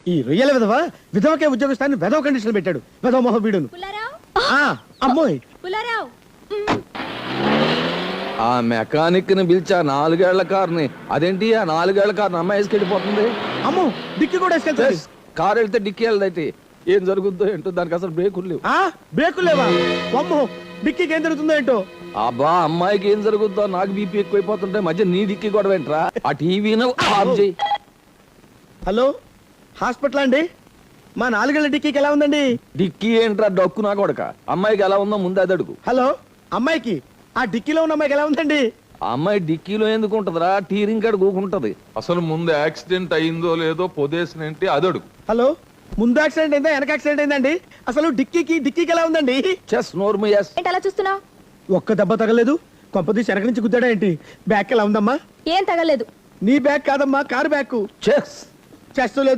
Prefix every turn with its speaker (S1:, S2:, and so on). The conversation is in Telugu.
S1: ఈ రొయ్యల విధవ విధవకే ఉద్యోగస్తాన్ని విధవ కండిషన్ పెట్టాడు. విధవ మొహ వీడును. అమ్మోయ్
S2: ఆ మెకానిక్ ని పిలిచా 4 ఏళ్ల కార్ని. అదేంటి ఆ 4 ఏళ్ల కార్ని అమ్మాయి వేసుకెళ్ళిపోతుంది?
S1: అమ్మో డిక్కి కూడా వేసుకెళ్తాడు.
S2: కారు వెళ్తే డిక్కి వెళ్ళదైతే ఏం జరుగుద్దో ఏంటో, దానికి అసలు బ్రేకులు లేవు.
S1: బ్రేకులు లేవా? అమ్మో డిక్కికి ఏం జరుగుతుందో ఏంటో.
S2: అబ్బా అమ్మాయికి ఏం జరుగుద్దో, నాకు బీపీ ఎక్కువైపోతుంటే మధ్య నీ డిక్కి కూడా ఏంట్రా? ఆ టీవీను ఆఫ్ చేయి.
S1: హలో హాస్పిటల్ అండి? మా 4 ఏళ్ల డిక్కీకి ఎలా ఉందండి?
S2: డిక్కీ ఏంట్రా డొక్కు నా కొడక. అమ్మాయికి ఎలా ఉందో ముందు అది అడుగు.
S1: హలో అమ్మాయికి ఆ డిక్కీలో ఉన్న అమ్మాయికి ఎలా ఉందండి?
S2: ఆ అమ్మాయి డిక్కీలో ఎందుకు ఉంటదిరా? టీరింగ్ కాడ కూకుంటది.
S3: అసలు ముందు యాక్సిడెంట్ అయిందో లేదో పొదేసినంటే అది అడుగు.
S1: హలో ముందు యాక్సిడెంట్ అయిందా వెనక యాక్సిడెంట్ అయిందండి? అసలు డిక్కీకి ఎలా ఉందండి?
S2: చెస్ నోర్మయస్.
S4: ఏంటి అలా చూస్తున్నావు?
S1: ఒక్క దెబ్బ తగలేదు. కొంపదీసి వెనక నుంచి గుద్దాడా ఏంటి? బ్యాక్ ఎలా ఉందమ్మా?
S4: ఏం తగలేదు.
S1: నీ బ్యాగ్ కాదమ్మా, కారు బ్యాగ్.
S2: చెస్
S1: చెస్ట్ లేదు.